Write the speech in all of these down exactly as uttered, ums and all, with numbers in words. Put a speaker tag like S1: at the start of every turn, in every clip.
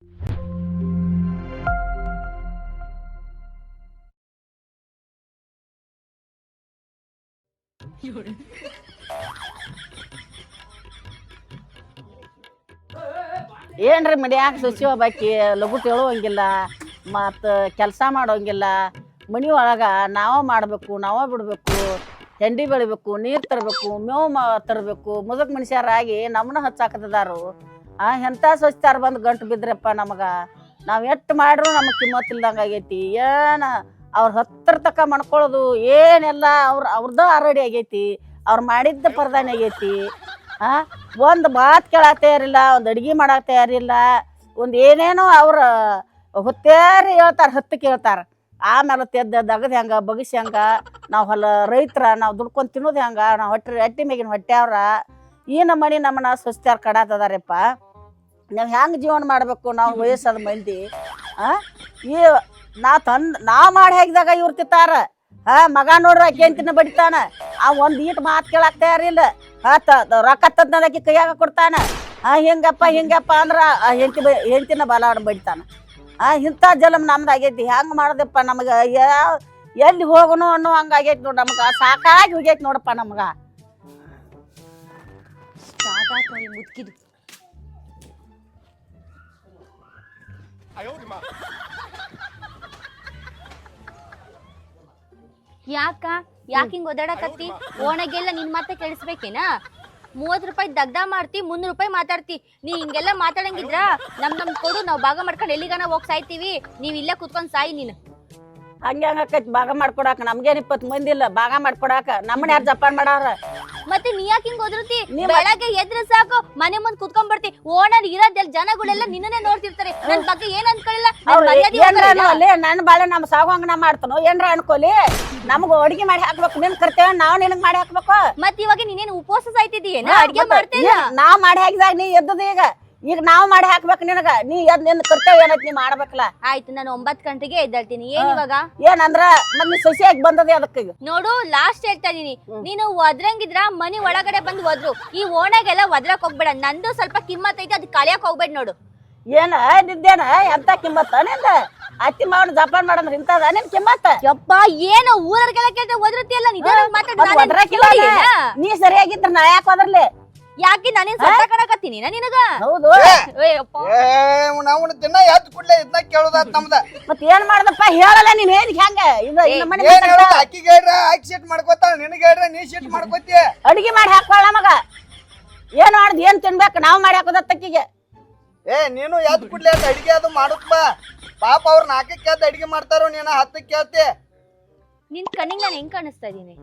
S1: ಏನ್ರಿ ಮನ್ಯಾಗ ಸಸಿ ಒಬ್ಬಾಕಿ ಲಘು ಹೇಳುವಂಗಿಲ್ಲ ಮತ್ತು ಕೆಲಸ ಮಾಡೋಂಗಿಲ್ಲ. ಮನೆ ಒಳಗೆ ನಾವೇ ಮಾಡಬೇಕು, ನಾವೇ ಬಿಡಬೇಕು, ಹೆಂಡಿ ಬೆಳಿಬೇಕು, ನೀರು ತರಬೇಕು, ಮೇವು ಮಾ ತರಬೇಕು. ಮುದುಕ್ ಮನುಷ್ಯರಾಗಿ ನಮ್ಮನ್ನ ಹಚ್ಚಾಕತಿದಾರು. ಆ ಎಂಥ ಸ್ವಚ್ಛತಾರ ಬಂದು ಗಂಟು ಬಿದ್ರಪ್ಪ ನಮಗೆ. ನಾವು ಎಷ್ಟು ಮಾಡ್ರೂ ನಮಗೆ ಕಿಮ್ಮತ್ತಿಲ್ದಂಗೆ ಆಗೈತಿ. ಏನು ಅವ್ರ ಹತ್ತಿರ ತಕ್ಕ ಮಾಡ್ಕೊಳ್ಳೋದು ಏನೆಲ್ಲ ಅವ್ರು ಅವ್ರದ್ದು ಆಲ್ರೆಡಿ ಆಗೈತಿ. ಅವ್ರು ಮಾಡಿದ್ದ ಪರದಾನೆ ಆಗೈತಿ. ಆ ಒಂದು ಮಾತು ಕೇಳಕ್ಕೆ ತಯಾರಿಲ್ಲ, ಒಂದು ಅಡ್ಗೆ ಮಾಡಕ್ಕೆ ತಯಾರಿಲ್ಲ, ಒಂದು ಏನೇನೋ ಅವ್ರ ಹೊತ್ತೇರಿ ಹೇಳ್ತಾರೆ, ಹತ್ತು ಕೇಳ್ತಾರೆ. ಆಮೇಲೆ ತೆದ್ದು ದಗದು ಹೆಂಗೆ ಬಗಸಿ ಹೆಂಗೆ ನಾವು ಹೊಲ ರೈತರ ನಾವು ದುಡ್ಕೊಂಡು ತಿನ್ನೋದು ಹೆಂಗೆ, ನಾವು ಹೊಟ್ಟೆ ಹೊಟ್ಟೆ ಮೇಗಿನ ಹೊಟ್ಟೆ ಅವ್ರ ಈ ನಮ್ಮನೆ ನಮ್ಮನ್ನ ಸ್ವಚ್ಛತಾರ ಕಡಾತದಾರಪ್ಪ. ನಾವು ಹೆಂಗೆ ಜೀವನ ಮಾಡಬೇಕು ನಾವು ವಯಸ್ಸಾದ ಮಂದಿ? ಹಾಂ ಈ ನಾ ತಂದು ನಾವು ಮಾಡಿ ಹಾಕಿದಾಗ ಇವ್ರು ತಿಂತಾರ. ಹಾಂ ಮಗ ನೋಡ್ರಿ ಆಕೆ ಅಂತಿನ ಬಡಿತಾನ. ಆ ಒಂದು ಈಟ್ ಮಾತು ಕೇಳಕ್ಕೆ ತಯಾರಿಲ್ಲ. ಹಾಂ ತ ರೊಕ್ಕ ತಂದಕ್ಕೆ ಕೈಯಾಗ ಕೊಡ್ತಾನೆ. ಹಾಂ ಹಿಂಗಪ್ಪ ಹಿಂಗಪ್ಪ ಅಂದ್ರೆ ಆ ಹೆಂಡತಿ ಬ ಹೆಂಡ್ತಿನ ಬಲಾಡ್ ಬಡಿತಾನೆ. ಹಾಂ ಇಂಥ ಜಲಮ್ ನಮ್ದು ಆಗೈತಿ. ಹೆಂಗೆ ಮಾಡೋದಪ್ಪ ನಮಗೆ? ಯಾವ ಎಲ್ಲಿ ಹೋಗೋಣ ಅನ್ನೋ ಹಂಗೆ ಆಗೈತಿ ನೋಡಿ ನಮ್ಗೆ. ಸಾಕಾಗಿ ಹೋಗೈತಿ ನೋಡಪ್ಪ ನಮ್ಗೆ.
S2: ಮುದ್ಕಿದು ಯಾಕ ಯಾಕ ಹಿಂಗ್ ಓದಾಡಕತ್ತಿ? ಓಣಗೆಲ್ಲ ನಿನ್ ಮಾತ ಕೇಳಿಸ್ಬೇಕೇನಾ? ಮೂವತ್ ರೂಪಾಯಿ ದಗ್ದ ಮಾಡ್ತಿ, ಮುನ್ನೂರು ರೂಪಾಯಿ ಮಾತಾಡ್ತಿ. ನೀ ಹಿಂಗೆಲ್ಲ ಮಾತಾಡಂಗಿದ್ರ ನಮ್ ನಮ್ ಕೊಡು, ನಾವ್ ಭಾಗ ಮಾಡ್ಕೊಂಡು ಎಲ್ಲಿಗಾನ ಹೋಗಿ ಸಾಯ್ತೀವಿ. ನೀವ್ ಇಲ್ಲೇ ಕುತ್ಕೊಂಡ್ ಸಾಯಿ ನೀನು.
S1: ಹಂಗೆ ಹಂಗಕ್ಕೈತಿ ಭಾಗ ಮಾಡ್ಕೊಡಾಕ. ನಮ್ಗೇನ್ ಇಪ್ಪತ್ತು ಮಂದಿ ಇಲ್ಲ ಭಾಗ ಮಾಡ್ಕೊಡಾಕ. ನಮ್ಮನ್ನ ಯಾರು ಜಪಾನ್ ಮಾಡಾರ?
S2: ಮತ್ತೆ ನೀ ಯಾಕೆ ಹಿಂಗ್ ಓದಿರ್ತಿ? ಬೆಳಗ್ಗೆ ಎದ್ರ ಸಾಕು ಮನೆ ಮುಂದ್ ಕುತ್ಕೊಂಡ್ ಬರ್ತಿ. ಓಣರ್ ಇರೋದೆಲ್ಲ ಜನಗಳೆಲ್ಲ ನಿನ್ನನ್ನೇ ನೋಡ್ತಿರ್ತಾರೆ. ನನ್ ಬಗ್ಗೆ ಏನ್ ಅನ್ಕೊಳ್ಳಿಲ್ಲ.
S1: ನನ್ನ ಬಾಳೆ ನಮ್ ಸಾಗುವಂಗ ನಾ ಮಾಡ್ತಾನೋ ಏನ್ರ ಅನ್ಕೋಲಿ. ನಮ್ಗ ಅಡ್ಗೆ ಮಾಡಿ ಹಾಕ್ಬೇಕು. ನಿನ್ ಕರ್ತೇವೆ ನಾವ್ ನಿನಗ್ ಮಾಡಿ ಹಾಕ್ಬೇಕು.
S2: ಮತ್ ಇವಾಗ ನೀನೇನ್ ಉಪವಾಸ ಸಾಯ್ತಿದೀಯೇನ? ಅಡ್ಗೆ ಮಾಡ್ತೇನೆ
S1: ನಾವ್ ಮಾಡಿ ಹಾಕಿದಾಗ ನೀ ಎದ್ದದ. ಈಗ ಈಗ ನಾವ್ ಮಾಡಿ ಹಾಕ್ಬೇಕು ನಿನಗ. ನೀ ಎದ್ ನಿನ್ ಕರ್ತೇವೆ ಏನೈತಿ ನೀ ಮಾಡ್ಬೇಕಲ್ಲ.
S2: ಆಯ್ತು, ನಾನು ಒಂಬತ್ ಗಂಟೆಗೆ ಎದ್ದಾಳ್ತೀನಿ. ಏನ್ ಇವಾಗ
S1: ಏನಂದ್ರ ಮತ್ ನೀ ಸೊಸೆಯಾಗಿ ಬಂದದೆ ಅದಕ್ಕೆ.
S2: ನೋಡು, ಲಾಸ್ಟ್ ಹೇಳ್ತಾ ಇದೀನಿ, ನೀನು ಒದ್ರಂಗಿದ್ರ ಮನಿ ಒಳಗಡೆ ಬಂದು ಒದ್ರು. ಈ ಓಣಾಗೆಲ್ಲ ಒದ್ರಕ್ ಹೋಗ್ಬೇಡ. ನಂದು ಸ್ವಲ್ಪ ಕಿಮ್ಮತ್ ಐತಿ, ಅದ್ ಕಲಿಯಕ್ ಹೋಗ್ಬೇಡ. ನೋಡು
S1: ಏನ ನಿದ್ದೇನ ಎಂತ ಕಿಮ್ಮತ್ತ ನಿಂದ? ಅತ್ತಿ ಮಾವನ ಜಪಾನ್ ಮಾಡಂದ್ರ ಇಂತದ ನಿನ್ ಕಿಮ್ಮತ್ತ?
S2: ಯಪ್ಪ ಏನು ಊರರ್ಗೆಲ್ಲ ಕೇಳ್ತ ಒದ್ರತಿಯಲ್ಲ.
S1: ನೀ ಸರಿಯಾಗಿದ್ರ ನಾ ಯಾಕೆ ಹೋದ್ರಲಿ?
S2: ಯಾಕೆ ನಾನೇನ್ ಸತ್ತ ಕಣಕತ್ತೀನಿ ನಿನಗ?
S1: ಹೌದು.
S3: ನಾವು ದಿನ ಎದ್ದು ಕೂಡ್ಲೆ ಇದನ್ನ ಕೇಳೋದಾತ್ ನಮ್ದ.
S1: ಮತ್ ಏನ್ ಮಾಡ್ದಪ್ಪ ಹೇಳಲ್ಲ ನೀನ್. ಏನ್ ಹೆಂಗ
S3: ಅಕ್ಕಿಗೆ ಹೇಳ್ರ ಅಕ್ಕಿ ಸೀಟ್ ಮಾಡ್ಕೋತಾಳ, ನಿನಗೆ ಹೇಳ್ರ ನೀ ಸೀಟ್ ಮಾಡ್ಕೋತಿ.
S1: ಅಡಿಗೆ ಮಾಡಿ ಹಾಕೋಳ ಮಗ. ಏನ್ ಮಾಡ್ದ ಏನ್ ತಿನ್ಬೇಕು? ನಾವ್ ಮಾಡಿ ಹಾಕೋದ ತಕ್ಕಿಗೆ.
S3: ಏ ನೀನು ಎದ್ದು ಕೂಡ್ಲೆ ಅಡಿಗೆ ಅದು ಮಾಡುತ್ತ ಬಾ. ಪಾಪ ಅವ್ರ ನಾಲ್ಕಕ್ಕೆ ಎದ್ದು ಅಡಿಗೆ ಮಾಡ್ತಾರೋ, ನೀನ ಹತ್ತಕ್ಕೆ ಕೇಳ್ತಿ.
S2: ನಿನ್ ಕಣ್ಣಿಗೆ ನಾನು ಹೆಂಗ್ ಕಾಣಿಸ್ತಾ ಇದೀನಿ?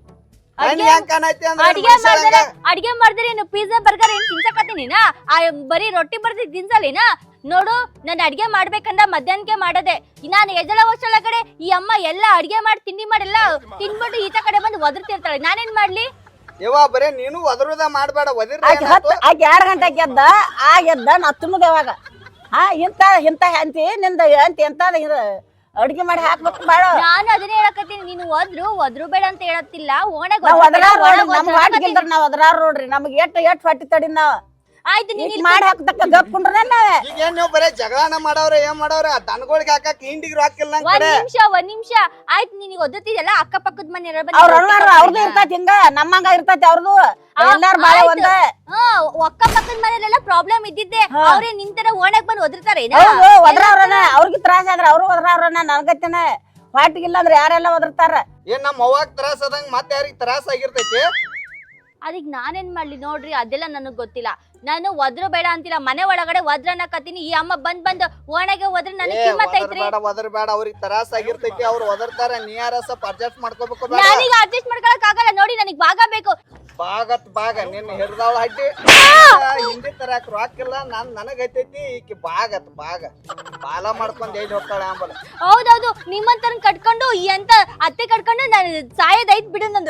S3: ಅಡಿಗೆ
S2: ಅಡಿಗೆ ಮಾಡಿದ್ರೆ ಏನು ಪಿಜ್ಜಾ ಬರ್ಗರ್ ಏನ್ ತಿನ್ಸಕತ್ತೀನಿ? ಬರೀ ರೊಟ್ಟಿ ಬರ್ದಿ ತಿನ್ಸಲಿನ? ನೋಡು, ನಾನು ಅಡ್ಗೆ ಮಾಡ್ಬೇಕಂದ ಮಧ್ಯಾಹ್ನಕ್ಕೆ ಮಾಡದೆ. ನಾನು ಎದಳ ವರ್ಷಳ ಕಡೆ ಈ ಅಮ್ಮ ಎಲ್ಲ ಅಡ್ಗೆ ಮಾಡಿ ತಿಂಡಿ ಮಾಡಿಲ್ಲ ತಿನ್ಬಿಟ್ಟು ಈತ ಕಡೆ ಬಂದು ಒದರ್ತಿರ್ತಾಳೆ. ನಾನೇನ್ ಮಾಡ್ಲಿ?
S3: ಯವ್ವ ಬರೇ ನೀನು ಒದರುದ ಮಾಡ್ಬೇಡ.
S1: ಎರಡ್ ಗಂಟೆಗೆ ಎದ್ದ ಆ ಎದ್ದ ನಾ ತಿನ್ನೋದು ಯಾವಾಗ? ಹಾ ಇಂತ ಇಂತ ಅಂತಿ ನಿಂದ ಅಂತಿ ಎಂತ ಅಡ್ಗೆ ಮಾಡಿ ಹಾಕ್ಬೇಕು ಬಾಳ.
S2: ನಾನು ಅದನ್ನೇ ಹೇಳಕತ್ತೀನಿ. ನೀನು ಒದ್ರು ಒದ್ರು ಬೇಡ ಅಂತ ಹೇಳತ್ತಿಲ್ಲ. ಓಣಾಗ
S1: ನಾವ್ ಅದ್ರಾರ ನೋಡ್ರಿ. ನಮ್ಗೆ ಎಟ್ ಎಟ್ ಹೊಟ್ಟಿ ತಡಿ ನಾವ್.
S2: ಆಯ್ತು, ನೀನ್
S1: ಮಾಡಿ ಹಾಕ್ತಕ್ಕ ಗಪ್ಕೊಂಡ್ರೆ ನಾವೇ.
S3: ಈಗ ನೀವು ಬರೇ ಜಗಳನ ಮಾಡವ್ರ ಏನ್ ಮಾಡವ್ರ? ದನಗಳಿಗೆ ಹಾಕಕ್ ಹಿಂಡಿಗೆ ಹಾಕಿಲ್ಲ.
S2: ಒಂದ್ ನಿಮಿಷ ಒಂದ್ ನಿಮಿಷ ಆಯ್ತು. ನಿನಗೆ ಒದ್ದತಿದಲ್ಲ ಅಕ್ಕ ಪಕ್ಕದ ಮನೆ
S1: ಅವ್ರದ್ದು ಇರ್ತೈತಿ ಹಿಂಗ, ನಮ್ಮಂಗ ಇರ್ತೈತಿ ಅವ್ರದ್ದು. ಎಲ್ಲಾರು ಬಾಳ ಒಂದ.
S2: ಅಕ್ಕ ಪಕ್ಕದ ಮನೆಯಲ್ಲೆಲ್ಲ ಪ್ರಾಬ್ಲಮ್ ಇದ್ದಿದ್ದೆ. ಅವ್ರೇ ನಿಂತರ ಓಣಾಗ್ ಬಂದು ಒದರ್ತಾರೆ.
S1: ಒದ್ರವ್ರನ ಅವ್ರಿಗೆ ತ್ರಾಸ ಆದ್ರ ಅವ್ರು ಒದ್ರವ್ರನ ನನ್ಗತ್ತೇನೆ. ಹೊಟ್ಟಿಗಿಲ್ಲ ಅಂದ್ರೆ ಯಾರೆಲ್ಲ ಒದರ್ತಾರ.
S3: ಏನ್ ನಮ್ಮ ಅವ್ವಾಗ ತ್ರಾಸ ಆದಂಗ ಮತ್ತೆ ಯಾರಿಗ ತ್ರಾಸ ಆಗಿರ್ತೈತಿ?
S2: ಅದಕ್ಕೆ ನಾನೇನ್ ಮಾಡ್ಲಿ ನೋಡ್ರಿ, ಅದೆಲ್ಲ ನನಗ್ ಗೊತ್ತಿಲ್ಲ. ನಾನು ಒದ್ರು ಬೇಡ ಅಂತಿಲ್ಲ. ಮನೆ ಒಳಗಡೆ ಒದ್ರನ್ನ ಕತ್ತೀನಿ. ಈ ಅಮ್ಮ ಬಂದ್ ಬಂದು ಓಣೆಗೆ ಹೋದ್ರೆ ನನಗೆ ಕಿಮ್ಮತ್ ಐತ್ರಿ.
S3: ಒದ್ರ ಬೇಡ, ಅವ್ರಿಗೆ ತ್ರಾಸ ಆಗಿರ್ತೈತಿ. ಅವ್ರು ಒದರ್ತಾರ, ನೀ ಯಾರ ಸ್ವಲ್ಪ ಅಡ್ಜಸ್ಟ್ ಮಾಡ್ಕೋಬೇಕು.
S2: ನನಗೆ ಅಡ್ಜಸ್ಟ್ ಮಾಡ್ಕೊಳಕ್ ಆಗಲ್ಲ. ನೋಡಿ, ನನಗ್ ಭಾಗ ಬೇಕು.
S3: ಬಾಗತ್ ಬಾಗ ನಿನ್ನ ಹಿರಿದಾಳ ಹಡ್ಡಿ ಹಿಂದಿ ತರಕ್ ರಾಕಿಲ್ಲ. ನಾನ್ ನನಗ್ ಐತೈತಿ. ಈಕಿ ಬಾಗತ್ ಬಾಗ ಬಾಲ ಮಾಡ್ಕೊಂಡ್ ಎಲ್ಲಿ ಹೋಗ್ತಾಳೆ ಅಂಬಲ್ಲ.
S2: ಹೌದೌದು, ನಿಮ್ಮಂತರ ಕಟ್ಕೊಂಡು ಎಂತ ಅತ್ತೆ ಕಟ್ಕೊಂಡು ನಾನು ಸಾಯೋದೈತ್ ಬಿಡು. ನಂದು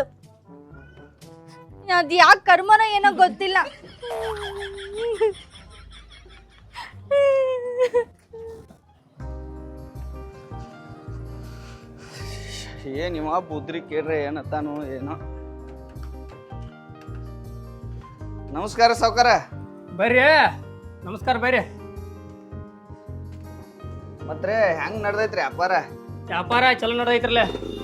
S2: ಅದ್ ಯಾಕೆ ಕರ್ಮನೋ ಏನೋ ಗೊತ್ತಿಲ್ಲ.
S3: ಏನ್ ಇವ ಬುದ್ರಿ ಕೇಳ್ರೆ ಏನತ್ತಾನು ಏನೋ. ನಮಸ್ಕಾರ ಸಾವ್ಕಾರ.
S4: ಬರ್ರಿ. ನಮಸ್ಕಾರ ಬರ್ರಿ.
S3: ಮತ್ರೆ ಹೆಂಗ್ ನಡ್ದೈತ್ರಿ ವ್ಯಾಪಾರ?
S4: ವ್ಯಾಪಾರ ಚಲೋ ನಡ್ದೈತ್ರಲ್ಲ.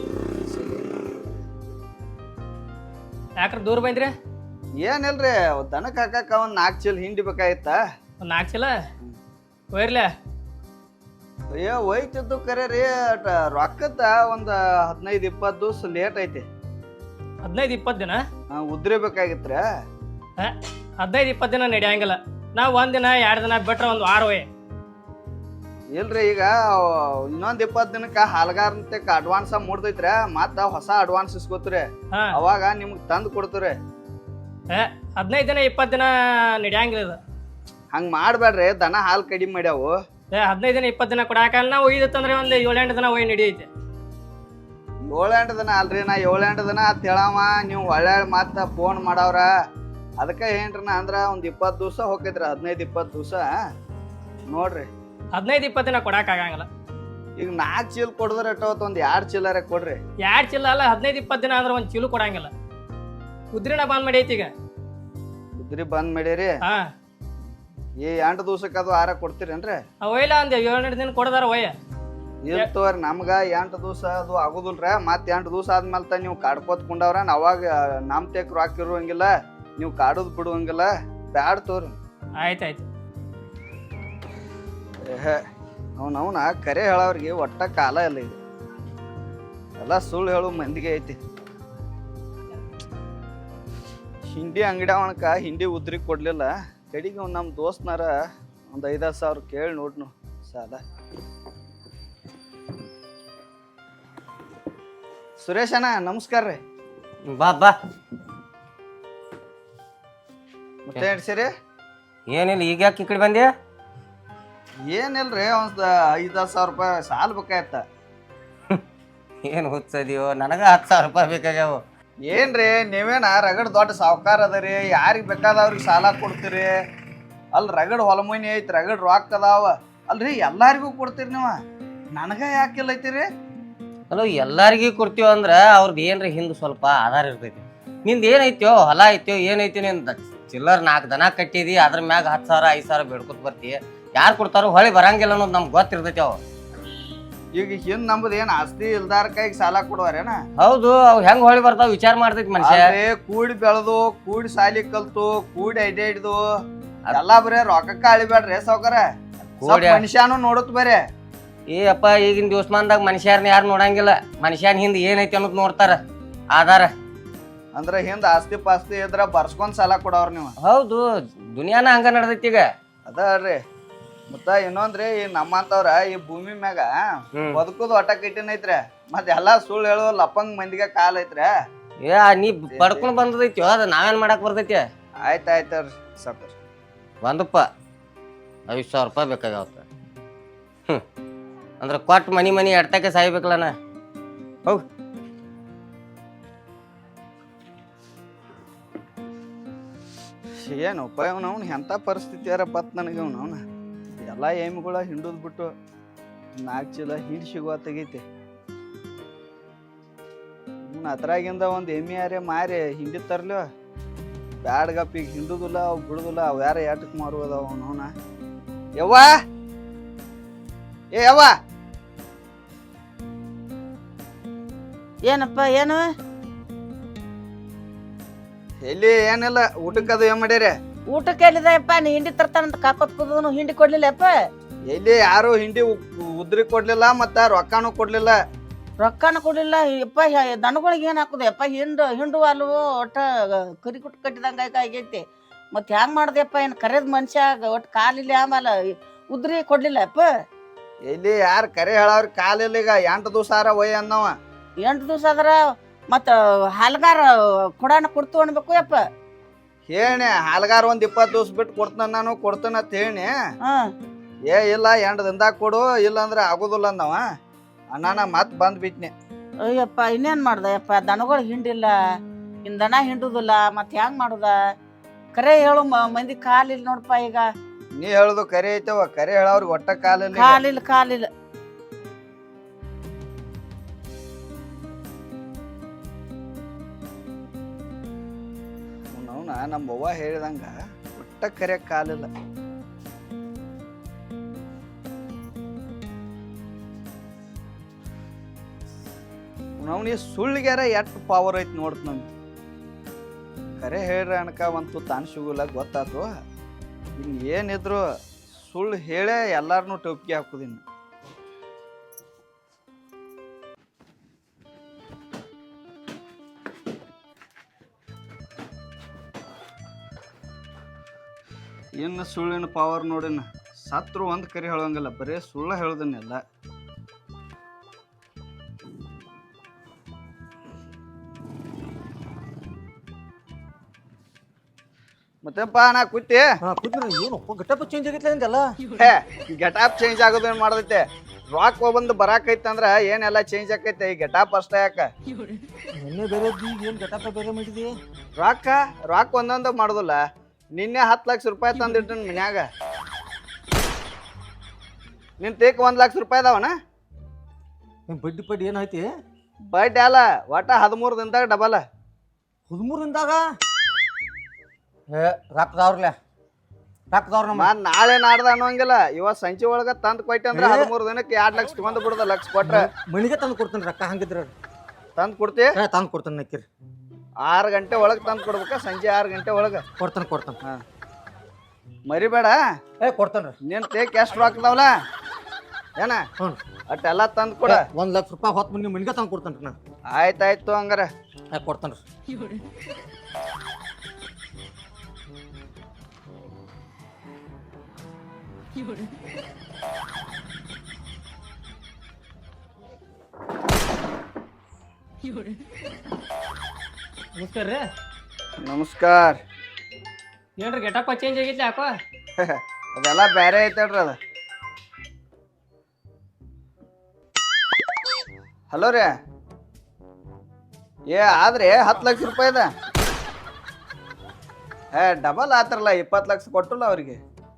S4: ಯಾಕ್ರ ದೂರ ಬಂದ್ರಿ?
S3: ಏನಿಲ್ರಿ ದನಕ್ ಹಾಕಾಕ ಒಂದ್ ನಾಲ್ಕು ಚೀಲ ಹಿಂಡಿ ಬೇಕಾಗಿತ್ತ.
S4: ಒಂದ್ ನಾಲ್ಕು ಚೀಲ ಒಯ್ರಲ್ಲ.
S3: ಅಯ್ಯೋ ಒಯ್ತಿದ್ದು ಕರೆ ರೀ ರೊಕ್ಕದ ಒಂದ್ ಹದಿನೈದು ಇಪ್ಪತ್ತು ದಿವಸ ಲೇಟ್ ಐತಿ.
S4: ಹದಿನೈದು ಇಪ್ಪತ್ತು ದಿನ
S3: ಉದ್ರಿ ಬೇಕಾಗಿತ್ರ.
S4: ಹದಿನೈದು ಇಪ್ಪತ್ತು ದಿನ ನಡೆಯಂಗಿಲ್ಲ. ನಾವು ಒಂದ್ ದಿನ ಎರಡು ದಿನ ಬಿಟ್ರೆ ಒಂದು ವಾರ ಒಯ್.
S3: ಇಲ್ರಿ ಈಗ ಇನ್ನೊಂದ್ ಇಪ್ಪತ್ ದಿನಕ್ಕ ಹಾಲ್ಗಾರಂತೆ ಅಡ್ವಾನ್ಸ್ ಮೂಡ್ತೈತ್ರ, ಮತ್ತ ಹೊಸ ಅಡ್ವಾನ್ಸ್ ಇಸ್ಕೋತ್ರಿ, ಅವಾಗ ನಿಮ್ಗ್ ತಂದ್ ಕೊಡ್ತೀರಿ.
S4: ಹದಿನೈದು ದಿನ ಇಪ್ಪತ್ತು ದಿನ ನಡೆಯಂಗಿಲ್ಲ ಇದು.
S3: ಹಂಗ್ ಮಾಡ್ಬೇಡ್ರಿ, ದನ ಹಾಲ್ ಕಡಿಮೆ ಮಾಡ್ಯಾವು.
S4: ಏ ಹದಿನೈದು ದಿನ ಇಪ್ಪತ್ತು ದಿನ ಕೊಡಾಕಲ್ಲ. ನಾವು ಒಯ್ದತ್ತಂದ್ರೆ ಒಂದ್ ಏಳೆಂಟು ದಿನ ಒಯ್ ನಡಿಯೈತೆ.
S3: ಏಳೆಂಟು ದಿನ ಅಲ್ರಿ, ನಾ ಏಳೆಂಟು ದಿನ ಅಂತ ಹೇಳವ, ನೀವು ಒಳ್ಳೆ ಮತ್ತ ಫೋನ್ ಮಾಡವ್ರ. ಅದಕ್ಕ ಏನ್ರಿ ನಾ ಅಂದ್ರ ಒಂದ್ ಇಪ್ಪತ್ತು ದಿವಸ ಹೋಗೈತ್ರಿ, ಹದಿನೈದು ಇಪ್ಪತ್ತು ದಿವಸ ನೋಡ್ರಿ.
S4: ಹದಿನೈದು ಇಪ್ಪತ್ತು ದಿನ ಕೊಡಾಕ ಆಗಂಗಿಲ್ಲ.
S3: ಈಗ ನಾಲ್ಕು ಚೀಲ ಕೊಡಿದ್ರೆ ಎಷ್ಟೋತ್ ಒಂದ್ ಎರಡ್ ಚೀಲರ ಕೊಡ್ರಿ.
S4: ಎರಡ್ ಚೀಲ ಅಲ್ಲ, ಹದಿನೈದು ಇಪ್ಪತ್ತು ದಿನ ಅಂದ್ರೆ ಒಂದ್ ಚೀಲು ಕೊಡಂಗಿಲ್ಲ. ಉದ್ರಿನ ಬಂದ್ ಮಾಡಿ ಐತಿ ಈಗ.
S3: ಉದ್ರಿ ಬಂದ್ ಮಾಡಿರಿ?
S4: ಹಾ.
S3: ಈ ಎಂಟು ದಿವ್ಸಕ್ಕೆ ಅದು ಆರ ಕೊಡ್ತೀರೇನ್ರಿ?
S4: ಒಯ್ಲ ಒಂದ್ ಏಳೆಂಟು ದಿನ ಕೊಡದಾರ ಒಯ್ಯ.
S3: ಇರ್ತವ್ರಿ, ನಮ್ಗ ಎಂಟು ದಿವಸ ಅದು ಆಗುದಿಲ್ರ. ಮತ್ ಎಂಟು ದಿವಸ ಆದ್ಮೇಲೆ ತ ನೀವು ಕಾಡ್ಕೋತ್ ಕುಂಡವ್ರ, ಅವಾಗ ನಮ್ ತೆಕ್ ರೊಕ್ಕ ಇರುವಂಗಿಲ್ಲ, ನೀವು ಕಾಡುದ್ ಬಿಡುವಂಗಿಲ್ಲ. ಬ್ಯಾಡ್ ತೋರಿ.
S4: ಆಯ್ತಾಯ್ತು.
S3: ಅವ್ನ ಅವನ ಕರೆ ಹೇಳವ್ರಿಗೆ ಒಟ್ಟ ಕಾಲ ಇಲ್ಲ. ಇದು ಎಲ್ಲ ಸುಳ್ಳು ಹೇಳು ಮಂದಿಗೆ ಐತಿ. ಹಿಂಡಿ ಅಂಗಡಿ ಅವನಕ ಹಿಂಡಿ ಉದ್ರಿ ಕೊಡ್ಲಿಲ್ಲ, ಕಡಿಗೆ ಅವ್ನು ನಮ್ಮ ದೋಸ್ತನಾರ ಒಂದು ಐದಾರು ಸಾವಿರ ಕೇಳಿ ನೋಡ್ನು ಸಾಲ. ಸುರೇಶ್ ಅಣ್ಣ ನಮಸ್ಕಾರ ರೀ.
S5: ಬಾ ಬಾ.
S3: ಮತ್ತೆ ನಡ್ಸಿರಿ?
S5: ಏನಿಲ್ಲ, ಈಗ ಯಾಕೆ ಈ ಕಡೆ ಬಂದೆ?
S3: ಏನಿಲ್ರಿ, ಒಂದ್ ಐದಾರು ಸಾವಿರ ರೂಪಾಯಿ ಸಾಲ ಬೇಕಾಯ್ತ.
S5: ಏನು ಹುಚ್ಚದಿಯೋ, ನನಗ ಹತ್ತು ಸಾವಿರ ರೂಪಾಯಿ ಬೇಕಾಗ್ಯಾವ.
S3: ಏನ್ರಿ ನೀವೇನ ರಗಡ್ ದೊಡ್ಡ ಸಾವುಕಾರ ಅದರಿ, ಯಾರಿಗೆ ಬೇಕಾದವ್ರಿಗೆ ಸಾಲ ಕೊಡ್ತೀರಿ? ಅಲ್ಲಿ ರಗಡ್ ಹೊಲಮನಿ ಐತಿ, ರಗಡ್ ರೊಕ್ಕ ಅದಾವ ಅಲ್ರಿ, ಎಲ್ಲಾರಿಗೂ ಕೊಡ್ತೀರಿ ನೀವು, ನನಗ ಯಾಕಿಲ್ಲ ಐತಿರಿ?
S5: ಅಲ್ಲ, ಎಲ್ಲಾರಿಗೂ ಕೊಡ್ತೀವ ಅಂದ್ರ ಅವ್ರದ್ದು ಏನ್ರಿ ಹಿಂದ್ ಸ್ವಲ್ಪ ಆಧಾರ ಇರ್ತೈತಿ. ನಿಂದ ಏನೈತ್ಯೋ, ಹೊಲ ಐತ್ಯೋ, ಏನೈತಿ, ನಿಂದ ಚಿಲ್ಲರ್ ನಾಲ್ಕು ದನ ಕಟ್ಟಿದಿ, ಅದ್ರ ಮ್ಯಾಗ ಹತ್ತು ಸಾವಿರ ಐದು ಸಾವಿರ ಬೇಡ್ಕೊತ ಬರ್ತಿ. ಯಾರು ಕೊಡ್ತಾರೋ ಹೊಳಿ ಬರಂಗಿಲ್ಲ ಅನ್ನೋದು ನಮ್ಗೆ ಗೊತ್ತಿರ್ತೈತಿ. ಅವ
S3: ಈಗ ಹಿಂದ್ ನಮ್ದು ಏನ್ ಆಸ್ತಿ ಇಲ್ದಾರ ಕೈಗೆ ಸಾಲ ಕೊಡುವಾರೇನ?
S5: ಹೌದು, ಅವ್ ಹೆಂಗ್ ಹೊಳಿ ಬರ್ತಾವ ವಿಚಾರ ಮಾಡ್ತೈತಿ ಮನುಷ್ಯ.
S3: ಕೂಡಿ ಬೆಳೆದು, ಕೂಡಿ ಸಾಲಿ ಕಲ್ತು, ಕೂಡಿ ಐಡಿಯಾ ಹಿಡ್ದು ಎಲ್ಲಾ ಬರೇ ರೊಕ್ಕಕ್ಕ ಅಳಿಬೇಡ್ರಿ ಸಾವ್ಕಾರ. ಮನುಷ್ಯನು ನೋಡುತ್ತ ಬರೇ.
S5: ಏ ಅಪ್ಪ, ಈಗಿನ ದಿವಸಮಾನದಾಗ ಮನುಷ್ಯರ್ನ ಯಾರು ನೋಡಂಗಿಲ್ಲ. ಮನುಷ್ಯನ ಹಿಂದ್ ಏನೈತಿ ಅನ್ನೋದು ನೋಡ್ತಾರ ಆಧಾರ.
S3: ಅಂದ್ರ ಹಿಂದ ಆಸ್ತಿ ಪಾಸ್ತಿ ಇದ್ರ ಬರ್ಸ್ಕೊಂಡ್ ಸಾಲ ಕೊಡವ್ರ ನೀವು.
S5: ಹೌದು, ದುನಿಯಾನ ಹಂಗ ನಡ್ದೈತಿ ಈಗ.
S3: ಅದರಿ ಮತ್ತ ಇನ್ನೊಂದ್ರಿ, ಈ ನಮ್ಮಂತವ್ರ ಈ ಭೂಮಿ ಮ್ಯಾಗ ಬದುಕುದು ಒಟ್ಟ ಕಟ್ಟಿನೈತ್ರಿ, ಮತ್ ಎಲ್ಲಾ ಸುಳ್ಳು ಹೇಳು ಲಪ್ಪಂಗ್ ಮಂದಿಗೆ ಕಾಲ್ ಐತ್ರಿ.
S5: ಏ ನೀ ಪಡ್ಕೊಂಡ್ ಬಂದದೈತಿ, ಅದ ನಾವೇನ್ ಮಾಡಕ್ ಬರ್ತೈತಿ?
S3: ಆಯ್ತ ಆಯ್ತವ್ರಿ ಸಾಕು.
S5: ಒಂದಪ್ಪ ಐದು ಸಾವಿರ ರೂಪಾಯಿ ಬೇಕಾಗ್ಯಾವತ್ತ. ಹ್ಮ್ ಅಂದ್ರ ಕೊಟ್ಟು ಮನಿ ಮನಿ ಎಡ್ತಕ್ಕೆ ಸಾಯ್ಬೇಕಲ್ಲನ. ಹೋಗ್.
S3: ಏನು ಉಪಾಯ ಅವ್ನು ಎಂಥ ಪರಿಸ್ಥಿತಿ ಯಾರ ಬತ್ ನನಗೆ ಅವ್ನು ಅವನ ಎಲ್ಲ ಎಮ್ಮಿಗಳ ಹಿಂಡುದ್ ಬಿಟ್ಟು ನಾಲ್ಕು ಚೀಲ ಹಿಂಡಿ ಸಿಗುವ ತೆಗೈತಿ. ಅವ್ನು ಅದ್ರಾಗಿಂದ ಒಂದು ಎಮ್ಮೆ ಯಾರೇ ಮಾರಿ ಹಿಂಡಿ ತರ್ಲಿ ಬ್ಯಾಡ್ಗಪ್ಪ. ಈಗ ಹಿಂಡುದಿಲ್ಲ, ಅವು ಬಿಡುದಿಲ್ಲ, ಅವು ಯಾರ ಏಟಕ್ಕೆ ಮಾರುವುದಾವ ಅವನು ಅವನ. ಯವ್ವ ಏ ಯವ್ವ,
S1: ಏನಪ್ಪ ಏನು?
S3: ಎಲ್ಲಿ ಏನಿಲ್ಲ, ಊಟಕ್ಕದು ಏನ್ ಮಾಡ್ಯಾರ?
S1: ಊಟಕ್ಕೆ ಎಲ್ಲಿದೆಯಪ್ಪ? ನೀ ಹಿಂಡಿ ತರ್ತಾನಂತ ಕಾಕೋತ್ ಕೂದನು ಹಿಂಡಿ ಕೊಡ್ಲಿಲ್ಲಪ್ಪ.
S3: ಎಲ್ಲಿ ಯಾರು ಹಿಂಡಿ ಉದ್ರಿ ಕೊಡ್ಲಿಲ್ಲ, ಮತ್ತ ರೊಕ್ಕಾನು ಕೊಡ್ಲಿಲ್ಲ.
S1: ರೊಕ್ಕನ ಕೊಡ್ಲಿಲ್ಲ ಯಪ್ಪ. ದನಗಳಿಗೆ ಏನ್ ಹಾಕುದಪ್ಪ? ಹಿಂಡು ಹಿಂಡು ಅಲ್ವೋ, ಒಟ್ಟ ಕರಿ ಕುಟ್ಟು ಕಟ್ಟಿದಂಗ ಆಗೈತಿ. ಮತ್ ಹೆಂಗ್ ಮಾಡ್ದಪ್ಪ? ಏನ್ ಕರೆದ್ ಮನುಷ್ಯ ಒಟ್ಟು ಕಾಲಿಲ್ಲ, ಆಮೇಲೆ ಉದ್ರಿ ಕೊಡ್ಲಿಲ್ಲ ಅಪ್ಪ.
S3: ಎಲ್ಲಿ ಯಾರು ಕರೆ ಹೇಳವ್ರ ಕಾಲಿಲ್ಲ. ಈಗ ಎಂಟು ದಿವಸ ಆರ ಒಯ್ ಅನ್ನವ.
S1: ಎಂಟು ದಿವಸ ಆದ್ರ ಮತ್ತ ಹಾಲ್ಗಾರ ಕೊಡಾನ ಕೊಡ್ತು ಅನ್ಬೇಕು ಯಪ್ಪ.
S3: ಹೇಳಿ ಹಾಲ್ಗಾರ ಒಂದ್ ಇಪ್ಪತ್ತು ದಿವ್ಸ ಬಿಟ್ಟು ಕೊಡ್ತಾನ, ನಾನು ಕೊಡ್ತಾನ ಅಂತ ಹೇಳಿ. ಏ ಇಲ್ಲ, ಎಂಟು ದಿನದಾಗ ಕೊಡು, ಇಲ್ಲ ಅಂದ್ರೆ ಆಗುದಿಲ್ಲ ಅಂದವ. ಅಣ್ಣನ ಮತ್ ಬಂದ್ ಬಿಟ್ನಿ.
S1: ಅಯ್ಯಪ್ಪ, ಇನ್ನೇನ್ ಮಾಡ್ದ ಯಪ್ಪ? ದನಗಳು ಹಿಂಡಿಲ್ಲ, ಇನ್ ದನ ಹಿಂಡುದಿಲ್ಲ, ಮತ್ ಹೆಂಗ್ ಮಾಡುದ? ಕರೆ ಹೇಳು, ಮಂದಿ ಕಾಲಿಲ್ಲ ನೋಡಪ್ಪ. ಈಗ
S3: ನೀ ಹೇಳುದು ಕರೆ ಐತವ, ಕರೆ ಹೇಳವ್ರಿಗೆ ಒಟ್ಟ ಕಾಲಿಲ್ಲ.
S1: ಕಾಲಿಲ್ಲ ಕಾಲಿಲ್ಲ.
S3: ಅವನ ನಮ್ಮ ಅವ್ವ ಹೇಳಿದಂಗ ಒಟ್ಟ ಕರೆ ಕಾಲಿಲ್ಲ. ನಾವು ಸುಳ್ಳಿಗ್ಯಾರ ಎಷ್ಟು ಪವರ್ ಐತಿ ನೋಡ್ತ ನಮ್ಗೆ ಕರೆ ಹೇಳ್ರಿ ಅನ್ಕವಂತೂ ತಾನು ಸಿಗುಲ್ಲ ಗೊತ್ತಾತು ಇನ್ನು ಏನಿದ್ರು ಸುಳ್ಳು ಹೇಳೇ ಎಲ್ಲಾರನ್ನೂ ಟೊಪ್ಪಿಗೆ ಹಾಕುದಿನ್ನು ಇನ್ನು ಸುಳ್ಳಿನ ಪವರ್ ನೋಡಿನ ಸತ್ರು ಒಂದು ಕರಿ ಹೇಳೋಂಗಿಲ್ಲ ಬರೀ ಸುಳ್ಳು ಹೇಳೋದನ್ನೆಲ್ಲ ಮತ್ತೆಪ್ಪ ನಾ ಕೂತಿ
S6: ಏನಪ್ಪ ಗಟ್ಟಪ್ಪ ಚೇಂಜ್ ಆಗೈತೆ ಅಂತೆಲ್ಲ
S3: ಹೇ ಗೆಟಾಪ್ ಚೇಂಜ್ ಆಗೋದೇನ್ ಮಾಡದೈತೆ ರಾಕ್ ಬಂದು ಬರಾಕೈತೆ ಅಂದ್ರ ಏನೆಲ್ಲ ಚೇಂಜ್ ಆಕೈತೆ ಈ ಗೆಟಾಪ್ ಅಷ್ಟ ಯಾಕ
S6: ನಿನ್ನೆ ಬೇರೆ ಈಗ ಏನು ಗಟ್ಟಪ್ಪ ಬೇರೆ ಮಾಡಿದಿ
S3: ರಾಕ ರಾಕ್ ಒಂದೊಂದ ಮಾಡುದಿಲ್ಲ ನಿನ್ನೆ ಹತ್ತು ಲಕ್ಷ ರೂಪಾಯಿ ತಂದಿಟ್ಟು ಮನ್ಯಾಗ ನಿನ್ ತೇಕ್ ಒಂದ್ ಲಕ್ಷ ರೂಪಾಯಿ ಅದಾವನ
S6: ಬಡ್ಡಿ ಪಡ್ಡಿ ಏನೈತಿ
S3: ಬಡ್ಡಿ ಅಲ್ಲ ಒಟ್ಟ ಹದಿಮೂರು ದಿನದಾಗ ಡಬಲ್
S6: ಹದಿಮೂರಿಂದಾಗ ಏ ರೊಕ್ಕದವ್ರಲ್ಲ ರೊಕ್ಕದವ್ರ ನಮ್ಮ
S3: ಮತ್ ನಾಳೆ ನಾಡ್ದ ಅನ್ನೋಂಗಿಲ್ಲ ಇವತ್ ಸಂಜೆ ಒಳಗ ತಂದ್ ಕೊಯ್ತಿ ಅಂದ್ರ ಹದಿಮೂರು ದಿನಕ್ಕೆ ಎರಡ್ ಲಕ್ಷ ತಗೊಂಡ್ ಬಿಡುದ ಲಕ್ಷ ಕೊಟ್ರ
S6: ಮನಿಗೆ ತಂದು ಕೊಡ್ತೇನೆ ರೊಕ್ಕ ಹಂಗಿದ್ರ
S3: ತಂದ್ ಕೊಡ್ತಿ
S6: ಏ ತಂದು ಕೊಡ್ತೇನೆ ನಕ್ಕಿರಿ
S3: ಆರು ಗಂಟೆ ಒಳಗ್ ತಂದ್ ಕೊಡ್ಬೇಕ ಸಂಜೆ ಆರು ಗಂಟೆ ಒಳಗ
S6: ಕೊಡ್ತಾನೆ ಕೊಡ್ತಾನೆ
S3: ಹಾ ಮರಿಬೇಡ
S6: ಏ ಕೊಡ್ತಾನೆ ರೀ
S3: ನಿನ್ ತೇಕ್ ಎಷ್ಟು ರೊಕ್ಕದವಲ್ಲ ಏನ
S6: ಹ್ಞೂ
S3: ಅಟ್ಟೆಲ್ಲ ತಂದ್ ಕೊಡ
S6: ಒಂದು ಲಕ್ಷ ರೂಪಾಯಿ ಹೊತ್ತು ಮಂದಿ ಮನಿಗೆ ತಂದು ಕೊಡ್ತಾನೆ ರೀ ನಾ
S3: ಆಯ್ತಾಯ್ತು ಹಂಗಾರ
S6: ಏ ಕೊಡ್ತಾನೆ ರೀ
S4: ನಮಸ್ಕಾರ ರೀ
S3: ನಮಸ್ಕಾರ
S4: ಏನ್ರಿ ಗೆಟಪ್ಪ ಚೇಂಜ್ ಆಗೈತಿ ಯಾಕೋ
S3: ಅದೆಲ್ಲ ಬ್ಯಾರೆ ಐತೇಳ್ರಿ ಅದ ಹಲೋ ರೀ ಏ ಆದ್ರೆ ಹತ್ತು ಲಕ್ಷ ರೂಪಾಯಿದ ಏ ಡಬಲ್ ಆತ್ರಲ್ಲ ಇಪ್ಪತ್ತು ಲಕ್ಷ ಕೊಟ್ಟಲ್ಲ ಅವ್ರಿಗೆ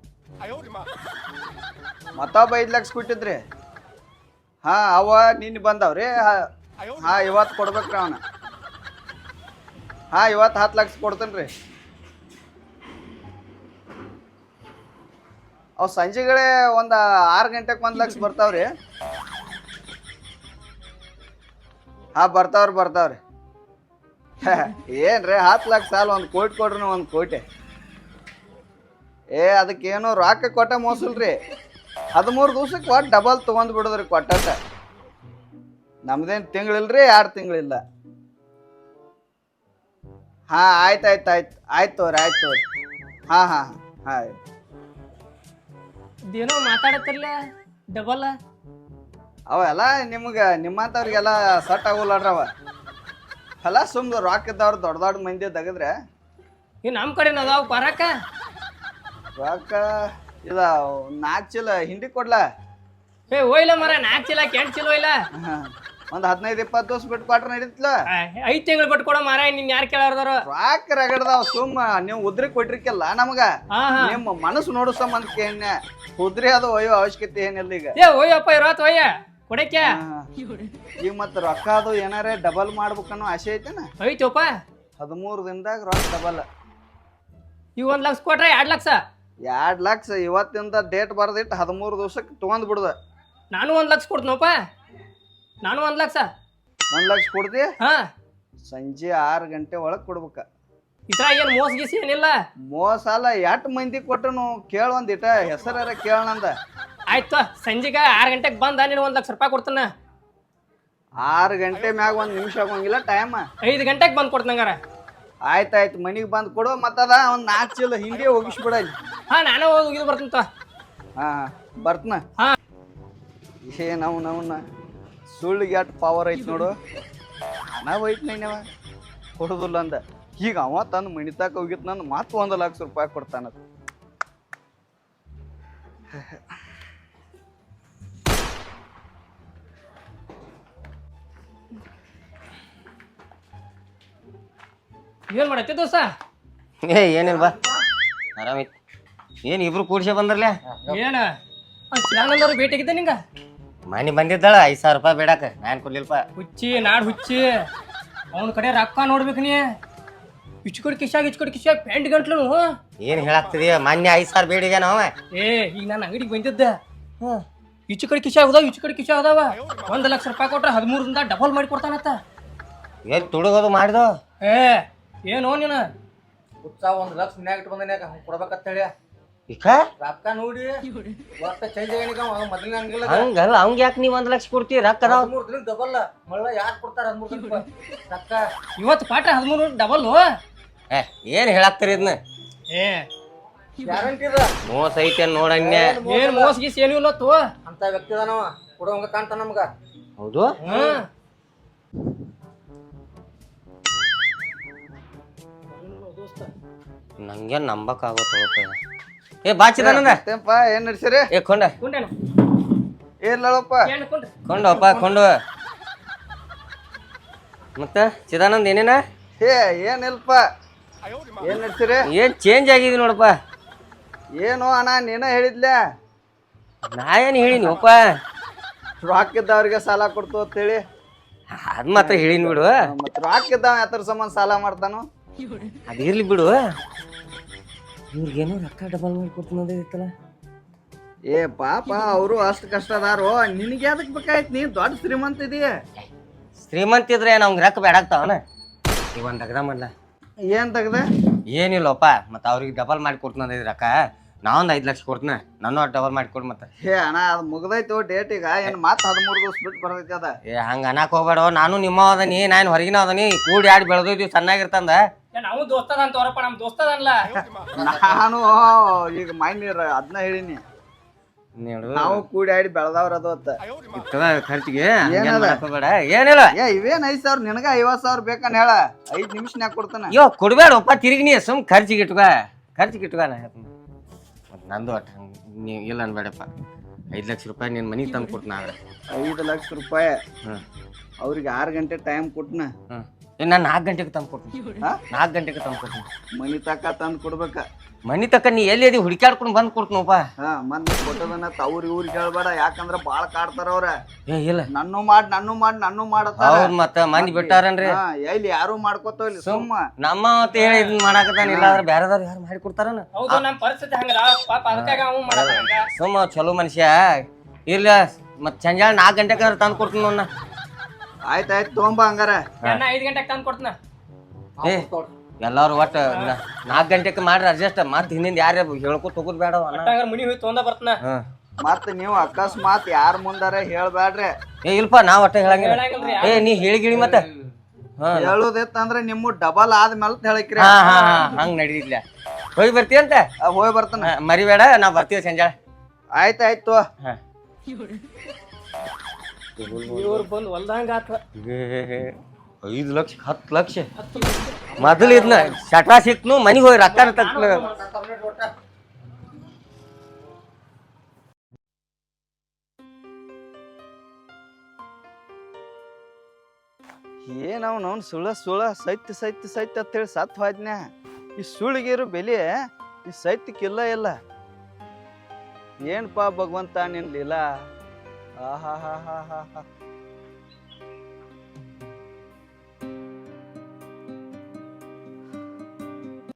S3: ಮತ್ತೊಬ್ಬ ಐದು ಲಕ್ಷ ಕೊಟ್ಟಿದ್ರಿ ಹಾ ಅವ ನಿನ್ನೆ ಬಂದವ್ರಿ ಹಾ ಇವತ್ತು ಕೊಡ್ಬೇಕ್ರಿ ಅವನ ಹಾ ಇವತ್ತು ಹತ್ತು ಲಕ್ಷ ಕೊಡ್ತೇನೆ ರೀ ಅವ್ ಸಂಜೆಗಳೇ ಒಂದು ಆರು ಗಂಟೆಗೆ ಒಂದು ಲಕ್ಷ ಬರ್ತಾವ್ರಿ ಹಾ ಬರ್ತಾವ್ರಿ ಬರ್ತಾವ್ರಿ ಏನ್ರಿ ಹತ್ತು ಲಕ್ಷ ಸಾಲ ಒಂದು ಕೋಟಿ ಕೊಡ್ರಿ ಒಂದು ಕೋಟಿ ಏ ಅದಕ್ಕೇನು ರೊಕ್ಕ ಕೊಟ್ಟ ಮೋಸಲ್ರಿ ಹದಿಮೂರು ದಿವ್ಸಕ್ಕೆ ಒಟ್ಟು ಡಬಲ್ ತೊಗೊಂಡ್ ಬಿಡೋದ್ರಿ ಕೊಟ್ಟಟ ನಮ್ದೇನು ತಿಂಗಳಿಲ್ರಿ ಎರಡು ತಿಂಗಳಿಲ್ಲ ಹಾ ಆಯ್ತು ಆಯ್ತು ಆಯ್ತು ಆಯ್ತು ತೋರಿ ಆಯ್ತು ತೋರಿ ಹಾ ಹಾ ಹಾ
S4: ಇದೇನೋ ಮಾತಾಡತ್ತಿರ್ಲ ಡಬಲ್
S3: ಅವೆಲ್ಲ ನಿಮ್ಗೆ ನಿಮ್ಮಂಥವ್ರಿಗೆಲ್ಲ ಸಟ್ ಆಗೋಲ್ಲಡ್ರಿ ಅವ ಎಲ್ಲ ಸುಮ್ದು ರೊಕ್ಕ ಇದ್ದವ್ರು ದೊಡ್ಡ ದೊಡ್ಡ ಮಂದಿ ತೆಗೆದ್ರೆ
S4: ಈ ನಮ್ಮ ಕಡೆ ಅದಾವ ಬರಾಕ
S3: ರೊಕ್ಕ ಇದ ನಾಲ್ಕು ಚೀಲ ಹಿಂಡಿ ಕೊಡ್ಲಾ
S4: ಏ ಹೋಯ್ಲ ಮರ ನಾಲ್ಕು ಚೀಲ ಕೆಂಟ್ ಚೀಲ ಹೋಯ್ಲ
S3: ಒಂದು ಹದಿನೈದು ಇಪ್ಪತ್ತು ದಿವಸ ಬಿಟ್ಟು ಕೊಟ್ರೆ ನಡೀತಲ್ಲ
S4: ಐದು ತಿಂಗಳು ಬಿಟ್ಟು ಕೊಡೋ ಮಾರ ನಿನ್ ಯಾರು ಕೇಳಾರ್ದಾರ
S3: ರೊಕ್ಕ ರಗಡ್ದಾವ ಸುಮ್ಮ ನೀವು ಉದ್ರಿ ಕೊಟ್ಟಿರ್ಕಿಲ್ಲ ನಮಗ
S4: ಹಾ ಹಾ
S3: ನಿಮ್ಮ ಮನಸ್ಸು ನೋಡೋ ಸಂಬಂಧಕ್ಕೆ ಏನ ಉದ್ರಿ ಅದು ಒಯ್ಯೋ ಅವಶ್ಯಕತೆ ಏನಿಲ್ಲ ಈಗ
S4: ಏ ಹೋಯಪ್ಪ ಇರೋತ್ ಹೋಯ್ಯ ಕೊಡಕ್ಕೆ
S3: ಹಾ. ಈಗ ಮತ್ತೆ ರೊಕ್ಕ ಅದು ಏನಾರೇ ಡಬಲ್ ಮಾಡ್ಬೇಕನ್ನೋ ಆಸೆ ಐತೆನ
S4: ಐತೋಪ
S3: ಹದಿಮೂರು ದಿನದಾಗ ರೊಕ್ಕ ಡಬಲ್
S4: ಈಗ ಒಂದ್ ಲಕ್ಷ ಕೊಟ್ರೆ ಎರಡ್ ಲಕ್ಷ
S3: ಎರಡ್ ಲಕ್ಷ ಇವತ್ತಿಂದ ಡೇಟ್ ಬರ್ದಿಟ್ಟು ಹದಿಮೂರು ದಿವ್ಸಕ್ಕೆ ತೊಗೊಂಡ್ ಬಿಡುದ
S4: ನಾನು ಒಂದ್ ಲಕ್ಷ ಕೊಡ್ತೀನಪ್ಪ ನಾನು ಒಂದ್ ಲಕ್ಷ
S3: ಒಂದ್ ಲಕ್ಷ ಕೊಡ್ತಿ
S4: ಹಾ
S3: ಸಂಜೆ ಆರು ಗಂಟೆ ಒಳಗ್ ಕೊಡ್ಬೇಕ
S4: ಇದ್ರ ಏನ್ ಮೋಸ ಗೀಸಿ ಏನಿಲ್ಲ
S3: ಮೋಸ ಅಲ್ಲ ಎಷ್ಟ್ ಮಂದಿ ಕೊಟ್ಟನು ಕೇಳ ಒಂದಿಟ ಹೆಸರ ಕೇಳನಂದ
S4: ಆಯ್ತು ಸಂಜೆಗ ಆರು ಗಂಟೆಗೆ ಬಂದ ನೀನು ಒಂದ್ ಲಕ್ಷ ರೂಪಾಯಿ ಕೊಡ್ತಾನ
S3: ಆರು ಗಂಟೆ ಮ್ಯಾಗ ಒಂದ್ ನಿಮಿಷ ಆಗೋಂಗಿಲ್ಲ ಟೈಮ್
S4: ಐದು ಗಂಟೆಗೆ ಬಂದ್ ಕೊಡ್ತಂಗಾರ
S3: ಆಯ್ತಾಯ್ತು ಮನಿಗ್ ಬಂದ್ ಕೊಡು ಮತ್ತದ ಒಂದ್ ನಾಲ್ಕು ಚೀಲ ಹಿಂಡಿ ಹೋಗಿಸ್ಬಿಡ ಇಲ್ಲಿ.
S4: ಹಾ ನಾನು ಹೋಗಿದ್ ಬರ್ತೀನಿ ತೋ.
S3: ಹಾ ಬರ್ತನ
S4: ಹಾ.
S3: ಏ ನಾವು ನವನ್ನ ಸುಳ್ಳಿಗೆ ಎಷ್ಟು ಪವರ್ ಐತಿ ನೋಡು ಹಣ ಹೋಯ್ತು ನೈನವ ಕೊಡುದಿಲ್ಲ ಅಂದ ಈಗ ಅವ ತಂದು ಮಣಿತಾಕ ಹೋಗಿತ್ ನಂದು ಮತ್ತೆ ಒಂದು ಲಕ್ಷ ರೂಪಾಯಿ ಕೊಡ್ತಾನ
S4: ಏನ್ ಮಾಡತ್ತೆ ದೋಸ್ತ
S5: ಏ ಏನಿಲ್ಲ ಬಾ ಆರಾಮೈತಿ ಏನು ಇಬ್ರು ಕೂಡ್ಸೆ ಬಂದ್ರಲ್ಲ
S4: ಏನ ಚಿದಾನಂದವ್ರು ಭೇಟಿಯಾಗಿದ್ದೆ ನಿಂಗ
S5: ಮನೆ ಬಂದಿದ್ದಾಳ ಐದು ಸಾವಿರ ರೂಪಾಯಿ ಬೇಡಾಕ ನಾನು ಕೊಡ್ಲಿಲ್ಪ
S4: ಹುಚ್ಚಿ ನಾಡ್ ಹುಚ್ಚಿ ಅವನ ಕಡೆ ರೊಕ್ಕ ನೋಡ್ಬೇಕು ನೀ ಇಚ್ಕೊಡ್ ಕಿಶಾಗ ಇಚ್ಕೊಡ್ ಕಿಶಾಗ ಪೆಂಟ್ ಗಂಟ್ಲು
S5: ಏನು ಹೇಳಾಗ್ತದೆ ಮೊನ್ನೆ ಐದು ಸಾವಿರ ಬೇಡಿಗೆ ನಾವ
S4: ಏ ಈಗ ನಾನು ಅಂಗಡಿಗೆ ಬಂದಿದ್ದೆ ಈಚೆ ಕಡೆ ಕಿಶೆ ಅದಾವ ಈಚೆ ಕಡೆ ಕಿಶೆ ಅದಾವ ಒಂದ್ ಲಕ್ಷ ರೂಪಾಯಿ ಕೊಟ್ರೆ ಹದಿಮೂರರಿಂದ ಡಬಲ್ ಮಾಡಿ ಕೊಡ್ತಾನತ್ತ.
S5: ಎಲ್ಲಿ ತುಡುಗೋದು ಮಾಡಿದೋ
S4: ಏ ಏನೋ ನೀನು
S6: ಉತ್ಸಾಹ ಒಂದ್ ಲಕ್ಷ ಮನ್ಯಾಗ ಇಟ್ಟು ಬಂದನ್ಯಾಗ ಕೊಡ್ಬೇಕಂತ ಹೇಳಿ
S5: ಈಗ
S6: ರೊಕ್ಕ ನೋಡಿ ಒಟ್ಟ ಚೇಂಜ್ ಆಗಿನಿಗ ಮೊದಲಿನ ಹಂಗಿಲ್ಲ
S5: ಹಂಗಲ್ಲ ಅವಂಗ ಯಾಕೆ ನೀವ್ ಒಂದ್ ಲಕ್ಷ ಕೊಡ್ತೀವಿ ರೊಕ್ಕ ಅದಾವ
S6: ಮೂರ್ ದಿನ ಡಬಲ್ ಮಳ್ಳ ಯಾಕೆ ಕೊಡ್ತಾರ ಹದಿಮೂರು ದಿನ ರೊಕ್ಕ
S4: ಇವತ್ತು ಪಾಠ ಹದಿಮೂರು ಡಬಲ್
S5: ಏ ಏನ್ ಹೇಳಾಕ್ತಾರ ಇದನ್ನ
S4: ಏ
S6: ಗ್ಯಾರಂಟಿ ಇದ
S5: ಮೋಸ ಐತೆ ನೋಡಣ್ಯ
S4: ಏನ್ ಮೋಸ ಗೀಸ್ ಏನೂ ಇಲ್ಲತ್ತು.
S6: ಅಂತ ವ್ಯಕ್ತಿ ಅದಾನವ ಕೊಡುವಂಗ ಕಾಣ್ತಾನ ನಮ್ಗ.
S5: ಹೌದು
S4: ಹ್ಮ್
S5: ನಂಗೆ ನಂಬಕ್ ಆಗೋತ್ತಪ್ಪ. ಏ ಬಾಚಿದಾನಂದ
S3: ಮತ್ತೇನಪ್ಪ ಏನ್ ನಡ್ಸಿರಿ?
S5: ಏ ಕೊಂಡ
S4: ಕುಂಡೇನು
S3: ಏನಿಲ್ಲಪ್ಪ
S4: ಏನು ಕುಂಡ್ರಿ
S5: ಕೊಂಡಪ್ಪ ಕೊಂಡು ಮತ್ತ ಚಿದಾನಂದ್ ಏನೇನ
S3: ಏ ಏನಿಲ್ಪ ಏನ್ ನಡ್ಸಿರಿ?
S5: ಏನ್ ಚೇಂಜ್ ಆಗಿದೆ ನೋಡಪ್ಪ.
S3: ಏನು ಅಣ್ಣ ನೀನ ಹೇಳಿದ್ಲೆ
S5: ನಾ ಏನ್ ಹೇಳಿನಿ ಒಪ್ಪ
S3: ರೊಕ್ಕ ಇದ್ದವ್ರಿಗೆ ಸಾಲ ಕೊಡ್ತು ಅಂತೇಳಿ.
S5: ಅದ್ ಮಾತ್ರ ಹೇಳಿನಿ ಬಿಡು.
S3: ಮತ್ ರೊಕ್ಕ ಇದ್ದಾವ ಯಾತರ ಸಂಬಂಧ ಸಾಲ ಮಾಡ್ತಾನು?
S5: ಅದ್ ಇರ್ಲಿ ಬಿಡು. ಇವ್ರಿಗೇನೋ ರೊಕ್ಕ ಡಬಲ್ ಮಾಡಿ ಕೊಡ್ತಾನದಿತ್ತಲ್ಲ.
S3: ಏ ಪಾಪ ಅವರು ಅಷ್ಟ್ ಕಷ್ಟ ಅದಾರು, ನಿನಗೆ ಅದಕ್ ಬೇಕಾಯ್ತು? ನೀ ದೊಡ್ಡ ಶ್ರೀಮಂತ ಇದೀಯ.
S5: ಶ್ರೀಮಂತ ಇದ್ರೆ ನಮ್ಗೆ ರೊಕ್ಕ ಬೇಡಾಗ್ತಾವನ. ಈಗ ಒಂದ್ ಅಗದ ಮಾಡ್ಲ
S3: ಏನ್ ತೆಗ್ದ?
S5: ಏನಿಲ್ಲಪ್ಪ ಮತ್ತ ಅವ್ರಿಗೆ ಡಬಲ್ ಮಾಡಿ ಕೊಡ್ತಾನದ ರೊಕ್ಕ. ನಾವೊಂದ್ ಐದ್ ಲಕ್ಷ ಕೊಡ್ತೀನಿ, ನನ್ನ ಡಬಲ್ ಮಾಡಿ ಕೊಡ್ ಮತ್ತ.
S3: ಏ ಅಣ್ಣ ಅದ್ ಮುಗ್ದೈತು ಡೇಟ್ ಈಗ. ಏನ್ ಮತ್ ಹದಿಮೂರು ದಿವಸ ಬಿಟ್ಟು ಬರ್ತೈತಿ ಅದ.
S5: ಏ ಹಂಗ ಅನ್ನಕ್ ಹೋಗ್ಬೇಡ. ನಾನು ನಿಮ್ಮ ಅದನಿ, ನಾನು ಹೊರಗಿನ ಅದನಿ, ಕೂಡಿ ಆಡಿ ಬೆಳೆದೋಯ್ತೀವಿ ಚೆನ್ನಾಗಿರ್ತಂದ.
S4: ನಾವು ದೋಸ್ತದ ಅಂತ ಅವರಪ್ಪ ನಮ್ ದೋಸ್ತದಲ್ಲ.
S3: ನಾನು ಈಗ ಮೈನೀರ್ ಅದನ್ನ ಹೇಳಿನಿ, ನಾವು ಕೂಡಿ ಆಡಿ ಬೆಳೆದವ್ರ ಅದು ಅತ್ತ.
S5: ಖರ್ಚಿಗೆ
S3: ಏನದ?
S5: ಬೇಡ ಏನಿಲ್ಲ.
S3: ಏ ಇವೇನ್ ಐದ್ ಸಾವಿರ ನಿನಗ ಐವತ್ ಸಾವಿರ ಬೇಕನ್ ಹೇಳ. ಐದ್ ನಿಮಿಷನ್ಯಾಗ ಕೊಡ್ತಾನ.
S5: ಅಯ್ಯೋ ಕೊಡ್ಬೇಡಪ್ಪ ತಿರುಗಿ ನೀ ಸುಮ್ ಖರ್ಚಿಗೆ ಇಟ್ಕ ಖರ್ಚಿಗೆ ಇಟ್ಕ ನಾ ಹೇಳ್ತೀನಿ. ಮತ್ತ್ ನಂದು ಒಟ್ಟು ನೀ ಇಲ್ಲ ಅನ್ಬೇಡಪ್ಪ. ಐದ್ ಲಕ್ಷ ರೂಪಾಯಿ ನಿನ್ ಮನಿಗೆ ತಂದು ಕೊಡ್ತೀನಿ ಆಗ್ರೆ.
S3: ಐದು ಲಕ್ಷ ರೂಪಾಯಿ
S5: ಹ್ಮ್
S3: ಅವ್ರಿಗೆ ಆರು ಗಂಟೆ ಟೈಮ್ ಕೊಟ್ನ.
S5: ಹ್ಮ್ ಏ ನಾನು ನಾಲ್ಕು ಗಂಟೆಗೆ ತಂದು ಕೊಡ್ತೀನಿ.
S3: ಹಾ?
S5: ನಾಲ್ಕು ಗಂಟೆಗೆ ತಂದು ಕೊಡ್ತೀನಿ.
S3: ಮನಿ ತಕ ತಂದ್ ಕೊಡ್ಬೇಕ.
S5: ಮನಿ ತಕ್ಕ ನೀ ಎಲ್ಲಿ ಅದಿ ಹುಡುಕಾಡ್ಕೊಂಡು ಬಂದು ಕೊಡ್ತೀನಪ್ಪ.
S3: ಹಾ ಮಂದಿ ಕೊಟ್ಟದನ್ನ ಅವ್ರಿಗೆ ಊರಿಗೆ ಹೇಳ್ಬೇಡ, ಯಾಕಂದ್ರ ಬಾಳ ಕಾಡ್ತಾರ ಅವ್ರ.
S5: ಏ ಇಲ್ಲ
S3: ನನ್ನು ಮಾಡ್ ನನ್ನು ಮಾಡ್ ನನ್ನು ಮಾಡತ್ತಾರ.
S5: ಹೌದ್ ಮತ್ತ ಮಂದಿ ಬಿಟ್ಟಾರನ್ರಿ.
S3: ಹಾ, ಎಲ್ಲಿ ಯಾರು ಮಾಡ್ಕೋತಾವ ಇಲ್ಲಿ ಸುಮ್ಮ.
S5: ನಮ್ಮ ಅಂತ ಹೇಳಿ ಇದನ್ನ ಮಾಡಾಕತ್ತಾನ. ಇಲ್ಲ ಆದ್ರೆ ಬೇರೆದವ್ರು ಯಾರು ಮಾಡಿ ಕೊಡ್ತಾರನ.
S4: ಹೌದು ನಮ್ ಪರಿಸ್ಥಿತಿ ಹಂಗದ ಪಾಪ ಅದಕ್ಕಾಗ ಅವ ಮಾಡಲ್ಲ.
S5: ಸುಮ್ಮ ಚಲೋ ಮನುಷ್ಯ ಇಲ್ಲ. ಮತ್ ಸಂಜೆ ನಾಲ್ಕು ಗಂಟೆಗೆ ತಂದು ಕೊಡ್ತೀನಿ ನೋಡ.
S3: ಆಯ್ತಾಯ್ತು ತೊಗೊಂಬ ಹಂಗಾರ.
S4: ನಾನು ಐದು ಗಂಟೆಗೆ ತಂದು ಕೊಡ್ತೀನ.
S5: ಏ ಎಲ್ಲಾರು ಒಟ್ಟ ನಾಲ್ಕು ಗಂಟೆಗೆ ಮಾಡ್ರಿ ಅಡ್ಜಸ್ಟ್. ಮತ್ ಹಿಂದಿಂದ ಯಾರು ಹೇಳ್ಕೊತ ಹೋಗುದ್ ಬೇಡ.
S4: ಹಂಗಾರ ಮುನಿ ಹೋಗಿ ತೊಂದ ಬರ್ತೀನ.
S3: ಮತ್ ನೀವು ಅಕಸ್ಮಾತ್ ಯಾರ ಮುಂದಾರ ಹೇಳ್ಬ್ಯಾಡ್ರಿ.
S5: ಏ ಇಲ್ಪ ನಾ ಒಟ್ಟ ಹೇಳಂಗಿಲ್ಲ. ಏ ನೀ ಹೇಳಿಗಿಳಿ ಮತ್ತ
S3: ಹೇಳುದಿತ್ತಂದ್ರ ನಿಮ್ಮ ಡಬಲ್ ಆದ್ಮೇಲೆ ಹೇಳಕ್ರಿ.
S5: ಹಾ ಹಾ ಹಾ ಹಂಗ್ ನಡೀತಿಲ್ಲ. ಹೋಗಿ ಬರ್ತೀಯಂತ?
S3: ಹೋಗಿ ಬರ್ತಾನ.
S5: ಮರಿಬೇಡ, ನಾ ಬರ್ತೀವಿ ಸಂಜೆ.
S3: ಆಯ್ತಾಯ್ತು.
S4: ಇವ್ರು ಬಂದು ಹೊಲ್ದಂಗ ಆತ.
S5: ಐದು ಲಕ್ಷ ಹತ್ತು ಲಕ್ಷ ಮೊದಲು ಇದನ್ನ ಶಟ ಸಿಕ್ನು ಮನಿಗೆ ಹೋಗಿ ರೊಕ್ಕ ತಕ್ಕ.
S3: ಏನವ್ ಅವ್ನು ಸುಳ ಸುಳ ಸೈತ್ ಸೈತ್ ಸೈತ್ ಅಂತೇಳಿ ಸತ್ ಹೋದ್ನ್ಯಾ. ಈ ಸುಳಿಗಿರು ಬೆಲೆ ಈ ಸೈತ್ಕಿಲ್ಲ ಇಲ್ಲ. ಏನ್ಪಾ ಭಗವಂತ ನಿನ್ ಲೀಲಾ. ಆಹಾ ಹಾ ಹಾ ಹಾ ಹಾ